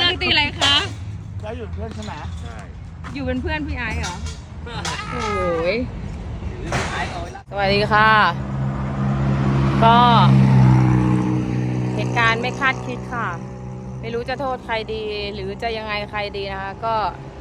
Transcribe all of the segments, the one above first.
กตีอะไรคะแล้วอยู่เพื่อนใช่ไหมใช่อยู่เป็นเพื่อนพี่ไอซ์เหรอโอ้ยสวัสดีค่ะก็เหตุการณ์ไม่คาดคิดค่ะไม่รู้จะโทษใครดีหรือจะยังไงใครดีนะคะก็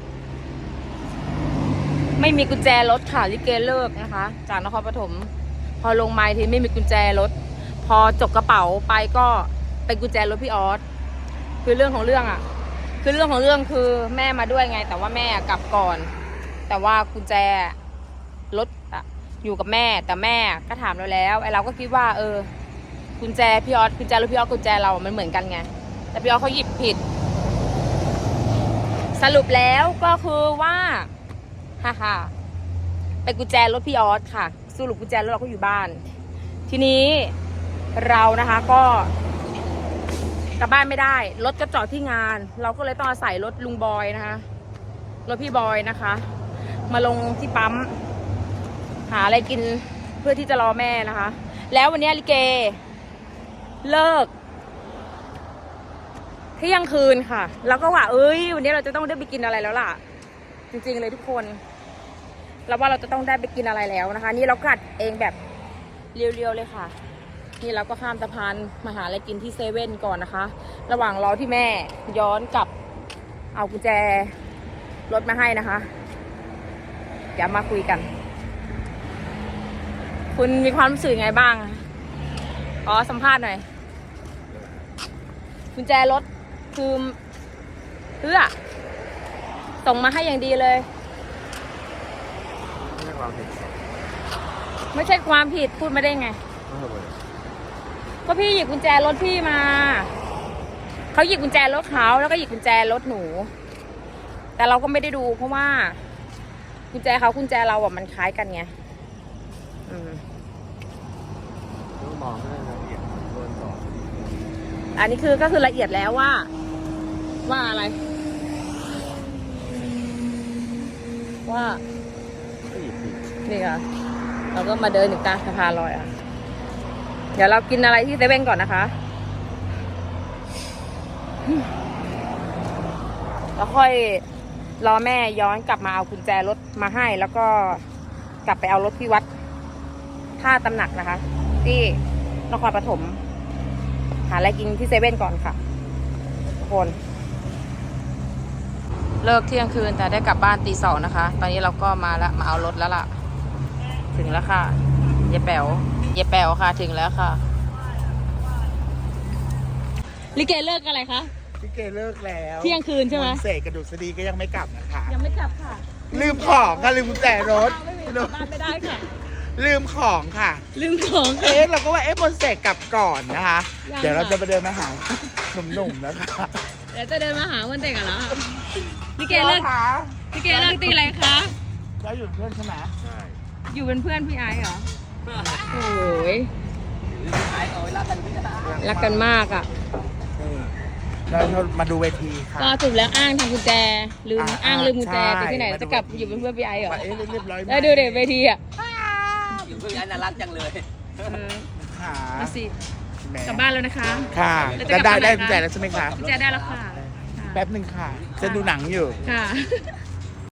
ไม่มีกุญแจรถค่ะลิเกเลิกนะคะจากนครปฐมพอลงมาทีไม่มีกุญแจรถพอจกกระเป๋าไปก็เป็นกุญแจรถพี่ออสคือเรื่องของเรื่องคือแม่มาด้วยไงแต่ว่าแม่กลับก่อนแต่ว่ากุญแจรถอยู่กับแม่แต่แม่ก็ถามเราแล้วไอ้เราก็คิดว่ากุญแจพี่ออสกุญแจรถพี่ออสกุญแจเรามันเหมือนกันไงแต่พี่ออสเขาหยิบผิดสรุปแล้วก็คือว่าฮ่าเป็นกุญแจรถพี่ออสค่ะสรุปกุญแจรถเราก็อยู่บ้านทีนี้เรานะคะก็กลับบ้านไม่ได้รถก็จอดที่งานเราก็เลยต้องอาศัยรถลุงบอยนะคะรถพี่บอยนะคะมาลงที่ปั๊มหาอะไรกินเพื่อที่จะรอแม่นะคะแล้ววันนี้ลิเกเลิกเที่ยงคืนค่ะแล้วก็ว่าวันนี้เราจะต้องได้ไปกินอะไรแล้วล่ะจริงๆเลยทุกคนเราว่าเราจะต้องได้ไปกินอะไรแล้วนะคะนี่เรากัดเองแบบเรียวๆเลยค่ะนี่เราก็ข้ามสะพานมาหาอะไรกินที่เซเว่นก่อนนะคะระหว่างรอที่แม่ย้อนกลับเอากุญแจรถมาให้นะคะเดี๋ยวมาคุยกันคุณมีความรู้สึกไงบ้างขอสัมภาษณ์หน่อยกุญแจรถคือส่งมาให้อย่างดีเลยไม่ใช่ความผิดพูดมาได้ไงก็พี่หยิบกุญแจรถพี่มาเขาหยิบกุญแจรถเขาแล้วก็หยิบกุญแจรถหนูแต่เราก็ไม่ได้ดูเพราะว่ากุญแจเขากุญแจเราอ่ะมันคล้ายกันไงต้องมองให้ละเอียดก่อนอันนี้ก็คือละเอียดแล้วว่าอะไรว่านี่ค่ะเราก็มาเดินอยู่กลางสะพานลอยอ่ะเดี๋ยวเรากินอะไรที่เซเว่นก่อนนะคะแล้วค่อยรอแม่ย้อนกลับมาเอากุญแจรถมาให้แล้วก็กลับไปเอารถที่วัดท่าตำหนักนะคะที่นครปฐมหาอะไรกินที่เซเว่นก่อนค่ะทุกคนเลิกเที่ยงคืนแต่ได้กลับบ้านตี 2นะคะตอนนี้เราก็มาเอารถแล้วล่ะถึงแล้วค่ะเยแป๋วค่ะถึงแล้วค่ะลิเกเลิกอะไรคะลิเกเลิกแล้วเที่ยงคืนใช่ไหมเสกกระดูกสดีก็ยังไม่กลับนะคะยังไม่กลับค่ะลืมของค่ะลืมกุญแจรถบ้านไม่ได้ค่ะลืมของค่ะเราก็ว่ามนเสกกลับก่อนนะคะเดี๋ยวเราจะไปเดินมาหาหนุ่มๆนะคะเดี๋ยวจะเดินมาหาวันเด็กเหรอลิเกเลิกตีอะไรคะแล้วอยู่เพื่อนใช่ไหมใช่อยู่เป็นเพื่อนพี่ไอซ์เหรอโอ้ยรักกันมากอ่ะเรามาดูเวทีค่ะก็ถูกแล้วอ้างทำกุญแจลืมกุญแจไปที่ไหนจะกลับอยู่เป็นเพื่อนพี่ไอซ์เหรอเรียบร้อยแล้วดูเด็กเวทีอ่ะอยู่เพื่อนน่ารักจังเลยค่ะมาสิกลับบ้านแล้วนะคะค่ะได้กุญแจแล้วใช่ไหมคะกุญแจได้แล้วค่ะแป๊บหนึ่งค่ะจะดูหนังอยู่ค่ะ